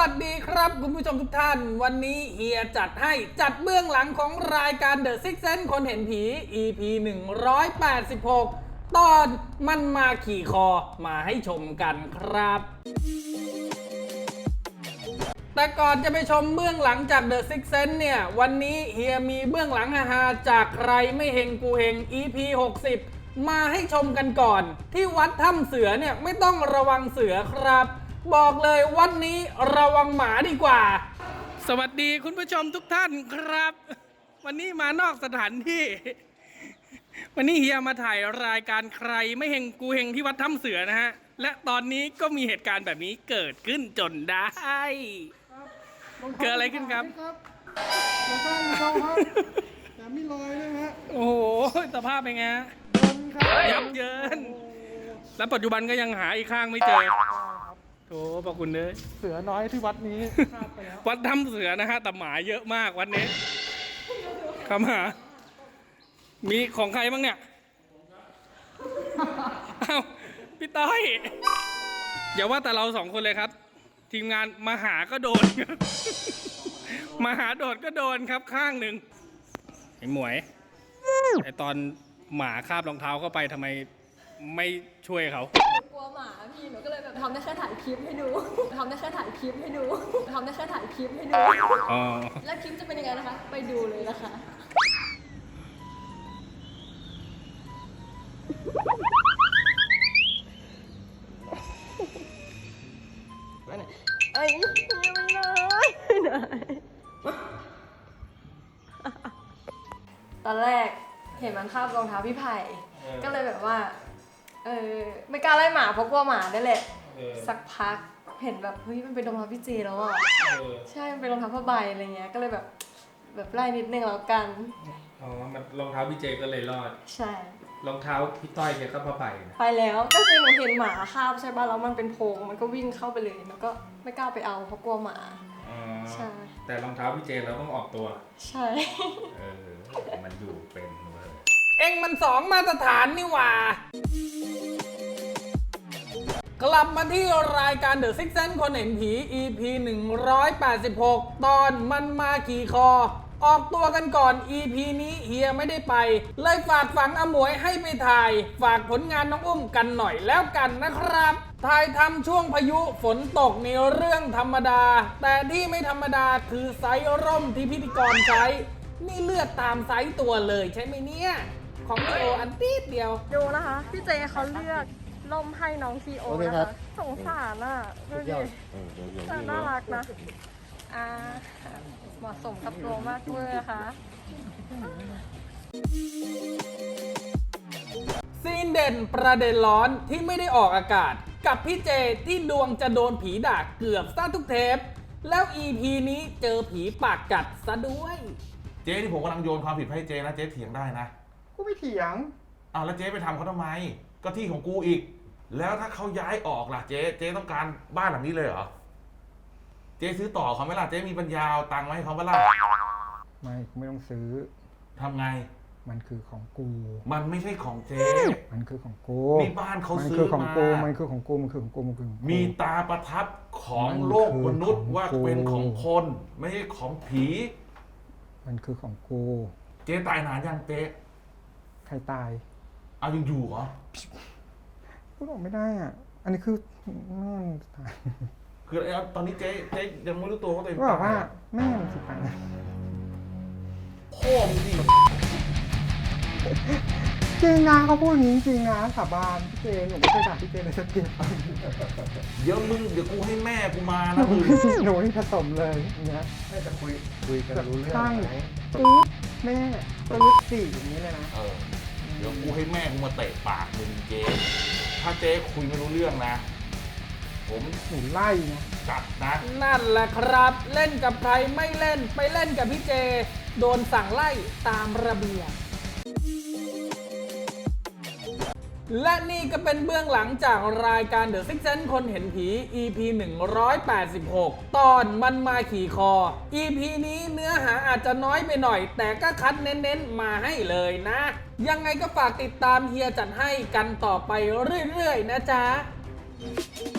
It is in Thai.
วัสดีครับคุณผู้ชมทุกท่านวันนี้เฮียจัดเบื้องหลังของรายการ The Six Sense คนเห็นผี EP 186 ตอนมันมาขี่คอมาให้ชมกันครับแต่ก่อนจะไปชมเบื้องหลังจาก The Six Sense เนี่ยวันนี้เฮียมีเบื้องหลังฮาๆจากใครไม่เฮงกูเฮง EP 60 มาให้ชมกันก่อนที่วัดถ้ำเสือเนี่ยไม่ต้องระวังเสือครับบอกเลยวันนี้ระวังหมาดีกว่าสวัสดีคุณผู้ชมทุกท่านครับวันนี้มานอกสถานที่วันนี้เฮียมาถ่ายรายการใครไม่เฮงกูเฮงที่วัดถ้ำเสือนะฮะและตอนนี้ก็มีเหตุการณ์แบบนี้เกิดขึ้นจนได้เกิดอะไรขึ้นครับเราสร้างเขาครับแต่ไม่ลอยนะฮะโอ้โหสภาพเป็นไงยับเยินแล้วปัจจุบันก็ยังหาอีกข้างไม่เจอโถขอบคุณเลยเสือน้อยที่วัดนี้ไปแล้ววัดถ้ำเสือนะฮะแต่หมาเยอะมากวันนี้ครับหามีของใครบ้างเนี่ยอ้าวพี่ต้อยอย่าว่าแต่เราสองคนเลยครับทีมงานมาหาก็โดนมาหาโดดก็โดนครับข้างหนึ่งไอ้หมวยไอ้ตอนหมาคาบรองเท้าเข้าไปทำไมไม่ช่วยเขากลัวหมาพี่หนูก็เลยแบบทำได้แค่ถ่ายคลิปให้ดูทำได้แค่ถ่ายคลิปให้ดูทำได้แค่ถ่ายคลิปให้ดูแล้วคลิปจะเป็นยังไงนะคะไปดูเลยนะคะไอ้ไม่ได้ตอนแรกเห็นมันคาบรองเท้าพี่ไผ่ก็เลยแบบว่าไม่กล้าไล่หมาเพราะกลัวหมาได้แหละสักพักเห็นแบบเฮ้ยมันเป็นรองเท้าพี่เจแล้วอ่ะใช่มันเป็นรองเท้าผ้าใบอะไรเงี้ยก็เลยแบบไล่นิดนึงแล้วกันอ๋อมันรองเท้าพี่เจก็เลยรอดใช่รองเท้าพี่ต้อยเนี่ยก็ผ้าใบไปแล้วก็คือหนูเห็นหมาคาบใช่ป่ะแล้วมันเป็นโพรงมันก็วิ่งเข้าไปเลยแล้วก็ไม่กล้าไปเอาเพราะกลัวหมาใช่แต่รองเท้าพี่เจเราต้องออกตัวใช่มันอยู่เป็นเลยเอ็งมันสองมาตรฐานนี่หว่ากลับมาที่รายการ The Six Sense คนเห็นผี EP 186 ตอนมันมาขี่คอออกตัวกันก่อน EP นี้เฮียไม่ได้ไปเลยฝากฝังอมวยให้ไปถ่ายฝากผลงานน้องอุ้มกันหน่อยแล้วกันนะครับถ่ายทำช่วงพายุฝนตกในเรื่องธรรมดาแต่ที่ไม่ธรรมดาคือไซส์ร่มที่พิธีกรใช้นี่เลือกตามไซส์ตัวเลยใช่ไหมเนี่ยของพี่โออันตีดเดียวดูนะคะพี่เจเขาเลือกล่มให้น้องซีโอนะคะสงสารอ่ะดูดิน่ารักนะเหมาะสมกับตัวมากเลยนะคะซีนเด่นประเด็นร้อนที่ไม่ได้ออกอากาศกับพี่เจที่ดวงจะโดนผีด่าเกือบซะทุกเทปแล้ว EP นี้เจอผีปากกัดซะด้วยเจ๊ที่ผมกำลังโยนความผิดให้เจ๊นะเจ๊เถียงได้นะกูไม่เถียงแล้วเจ๊ไปทำเขาทำไมก็ที่ของกูอีกแล้วถ้าเขาย้ายออกล่ะเจ๊ต้องการบ้านหลังนี้เลยเหรอเจ๊ซื้อต่อเขาไหมล่ะเจ๊มีปัญญาเอาตังค์มาให้เขาไหมล่ะไม่ต้องซื้อทำไงมันคือของกูมันไม่ใช่ของเจ๊มันคือของกูมีบ้านเขาซื้อมามันคือของกูมีตาประทับของโลกมนุษย์ว่าเป็นของคนไม่ใช่ของผีมันคือของกูเจ๊ตายนานยังเจ๊ใครตายยังอยู่เหรอพูดออกไม่ได้อ่ะอันนี้คือแม่ตายคือตอนนี้เจ๊ยังไม่รู้ตัวว่าตัวเองบอกว่าแม่สิตายพ่อมึงดิจริงนะเขาพูดอย่างนี้จริงนะสาบานพี่เจหนูไม่เคยด่าพี่เจเลยสักทีเดี๋ยวกูให้แม่กูมานะหนูนี่ผสมเลยเนี่ยแม่จะคุยกันรู้เรื่องไหมตื้อแม่ตื้อสี่อย่างนี้เลยนะเดี๋ยวกูให้แม่กูมาเตะปากมึงเจ๊ถ้าเจ๊คุยไม่รู้เรื่องนะผมหนูไล่นะจัดนะนั่นแหละครับเล่นกับใครไม่เล่นไปเล่นกับพี่เจโดนสั่งไล่ตามระเบียบและนี่ก็เป็นเบื้องหลังจากรายการ The Six Sense คนเห็นผี EP 186 ตอนมันมาขี่คอ EP นี้เนื้อหาอาจจะน้อยไปหน่อยแต่ก็คัดเน้นๆมาให้เลยนะยังไงก็ฝากติดตามเฮียจัดให้กันต่อไปเรื่อยๆนะจ๊ะ